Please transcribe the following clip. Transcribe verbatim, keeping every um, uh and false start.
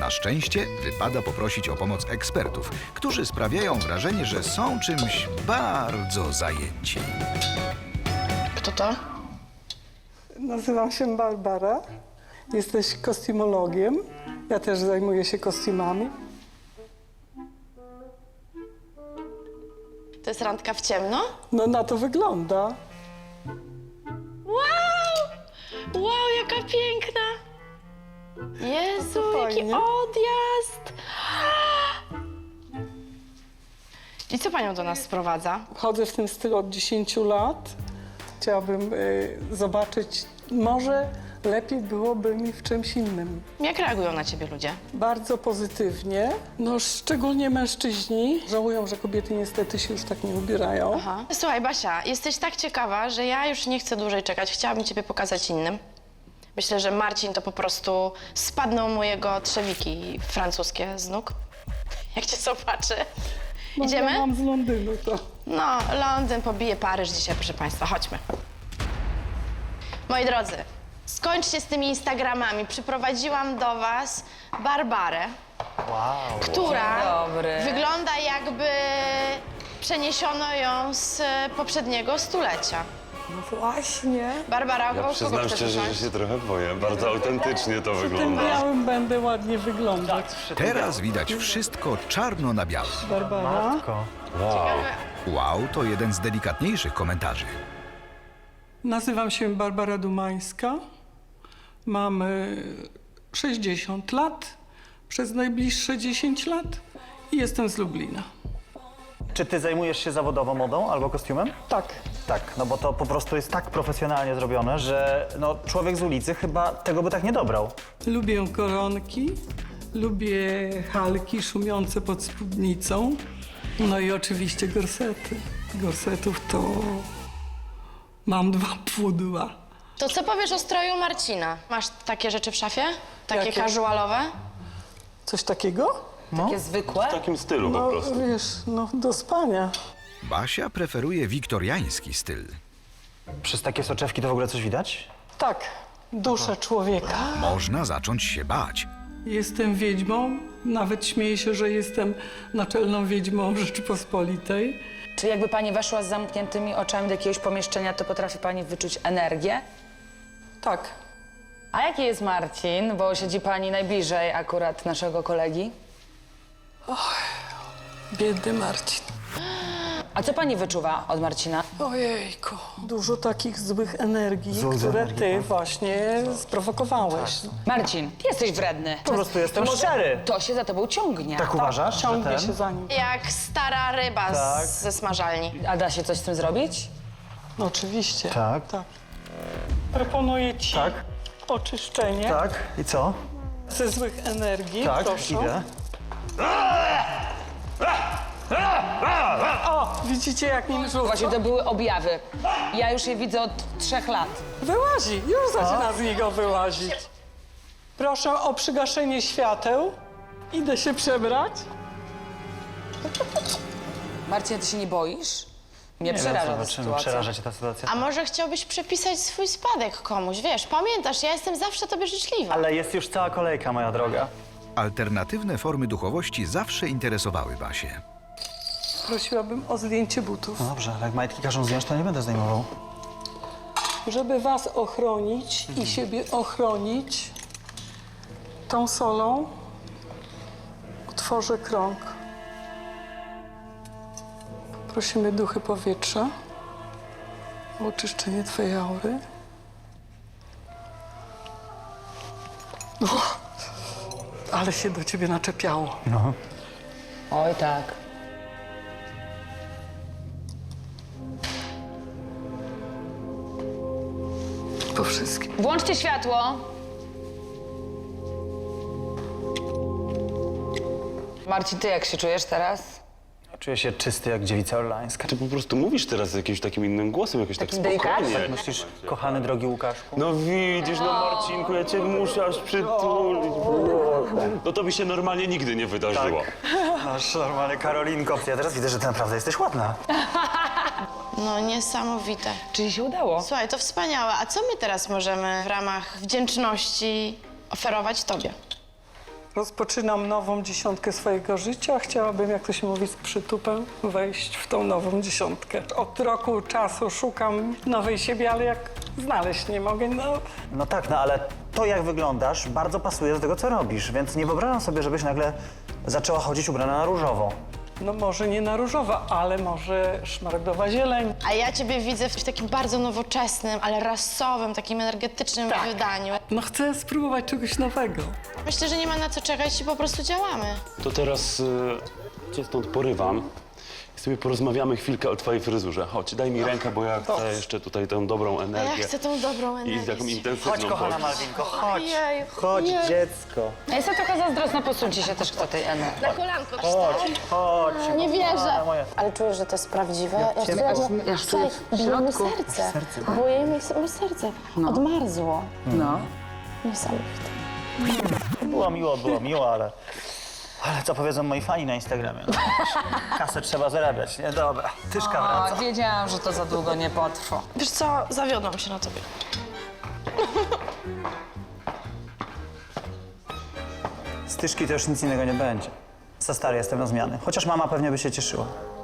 Na szczęście wypada poprosić o pomoc ekspertów, którzy sprawiają wrażenie, że są czymś bardzo zajęci. Kto to? Nazywam się Barbara. Jesteś kostiumologiem. Ja też zajmuję się kostiumami. To jest randka w ciemno? No na to wygląda. Wow! Wow, jaka piękna! Jezu, jaki fajnie. odjazd! I co panią do nas sprowadza? Chodzę w tym stylu od dziesięciu lat. Chciałabym y, zobaczyć, może lepiej byłoby mi w czymś innym. Jak reagują na ciebie ludzie? Bardzo pozytywnie. No szczególnie mężczyźni żałują, że kobiety niestety się już tak nie ubierają. Aha. Słuchaj, Basia, jesteś tak ciekawa, że ja już nie chcę dłużej czekać. Chciałabym ciebie pokazać innym. Myślę, że Marcin to po prostu spadną mu jego trzewiki francuskie z nóg. Jak cię zobaczy. No, Idziemy? Ja mam z Londynu to. No, Londyn pobije Paryż dzisiaj, proszę państwa. Chodźmy. Moi drodzy, skończcie z tymi Instagramami. Przyprowadziłam do was Barbarę, Wow. która dobry. wygląda jakby przeniesiono ją z poprzedniego stulecia. No właśnie. Barbara, Ja kogo przyznam chcesz szczerze, że usiąść? się trochę boję. Bardzo autentycznie to W tym wygląda. białym będę ładnie wyglądać. Teraz widać wszystko czarno na białym. Barbara. Matko. Wow. Wow, to jeden z delikatniejszych komentarzy. Nazywam się Barbara Dumańska. Mam y, sześćdziesiąt lat, przez najbliższe dziesięć lat i jestem z Lublina. Czy ty zajmujesz się zawodowo modą albo kostiumem? Tak, Tak, no bo to po prostu jest tak profesjonalnie zrobione, że no, człowiek z ulicy chyba tego by tak nie dobrał. lubię koronki, lubię halki szumiące pod spódnicą, no i oczywiście gorsety. Gorsetów to mam dwa pudła. To co powiesz o stroju Marcina? Masz takie rzeczy w szafie? Takie Jakie? casualowe? Coś takiego? Takie zwykłe? W takim stylu po No prostu. wiesz, no do spania. Basia preferuje wiktoriański styl. Przez takie soczewki to w ogóle coś widać? Tak, duszę człowieka. Można zacząć się bać. Jestem wiedźmą, nawet śmieję się, że jestem naczelną wiedźmą Rzeczypospolitej. Czy jakby pani weszła z zamkniętymi oczami do jakiegoś pomieszczenia, to potrafi pani wyczuć energię? Tak, A jaki jest Marcin? Bo siedzi pani najbliżej akurat naszego kolegi. biedny Marcin. A co pani wyczuwa od Marcina? Ojejku, dużo takich złych energii, Złych które energii, ty tak. właśnie sprowokowałeś. Marcin, ty jesteś wredny. Po prostu jestem To może szczery. To się za tobą ciągnie. Tak uważasz? że Ciągnie ten? się za nim. Jak stara ryba Tak. z, ze smażalni. A da się coś z tym zrobić? No oczywiście. Tak. tak. Proponuję ci Tak. oczyszczenie Tak, i co? ze złych energii, Tak, proszę. idę. O, widzicie jak nim rzuca? Właśnie to były objawy. Ja już je widzę od trzech lat. Wyłazi, już zaczyna z niego wyłazić. Proszę o przygaszenie świateł. Idę się przebrać. Marcin, ty się nie boisz? Mnie Nie wiem, przeraża ta zobaczymy, sytuacja. przeraża cię ta sytuacja. A może chciałbyś przepisać swój spadek komuś, wiesz? Pamiętasz, ja jestem zawsze tobie życzliwa. Ale jest już cała kolejka, moja droga. Alternatywne formy duchowości zawsze interesowały Basię. Prosiłabym o zdjęcie butów. No dobrze, ale jak majtki każą zdjąć, to nie będę zdejmował. Żeby was ochronić i siebie ochronić, tą solą utworzę krąg. Prosimy duchy powietrza o oczyszczenie twojej aury. Uch, ale się do ciebie naczepiało. No. Oj tak. Po wszystkim. Włączcie światło. Marcin, ty jak się czujesz teraz? Czuję się czysty jak dziewica orlańska. Ty po prostu mówisz teraz jakimś takim innym głosem, jakoś tak Takim delikatnym? spokojnie. Myślisz, kochany, drogi Łukaszku? No widzisz, no Marcinku, ja cię muszę aż przytulić. No to by się normalnie nigdy nie wydarzyło. Masz normalnie Karolinko. Ja teraz widzę, że ty naprawdę jesteś ładna. No niesamowite. Czyli się udało? Słuchaj, to wspaniałe. A co my teraz możemy w ramach wdzięczności oferować tobie? Rozpoczynam nową dziesiątkę swojego życia. Chciałabym, jak to się mówi, z przytupem wejść w tą nową dziesiątkę. Od roku czasu szukam nowej siebie, ale jak znaleźć nie mogę, no... No tak, no ale to, jak wyglądasz, bardzo pasuje do tego, co robisz, więc nie wyobrażam sobie, żebyś nagle zaczęła chodzić ubrana na różowo. No może nie na różowa, ale może szmaragdowa zieleń. A ja ciebie widzę w takim bardzo nowoczesnym, ale rasowym, takim energetycznym Tak. wydaniu. No chcę spróbować czegoś nowego. Myślę, że nie ma na co czekać i po prostu działamy. To teraz y, cię stąd porywam i sobie porozmawiamy chwilkę o twojej fryzurze. Chodź, daj mi rękę, bo ja chcę jeszcze tutaj tę dobrą A ja energię. chcę tą dobrą I energię. taką intensywną Chodź, kochana podróż. Malwinko, chodź. Ojej, Chodź, ojej. dziecko. Ja jestem trochę zazdrosna, posuńcie się też kto tej energii. Na kolanko Chodź, chodź. Nie wierzę. kochana moja. Ale czujesz, że to jest prawdziwe? Ja, cię- ja, ja Słuchaj, bije mi serce. Buje mi mi serce. Odmarzło. No. Niesamowite. Było miło, było miło, ale... Ale co powiedzą moi fani na Instagramie? No, kasę trzeba zarabiać, nie? Dobra, tyszka wraca. O, wiedziałam, że to za długo nie potrwa. Wiesz co, zawiodłam się na tobie. Z tyszki to już nic innego nie będzie. Za stary jestem na zmiany. Chociaż mama pewnie by się cieszyła.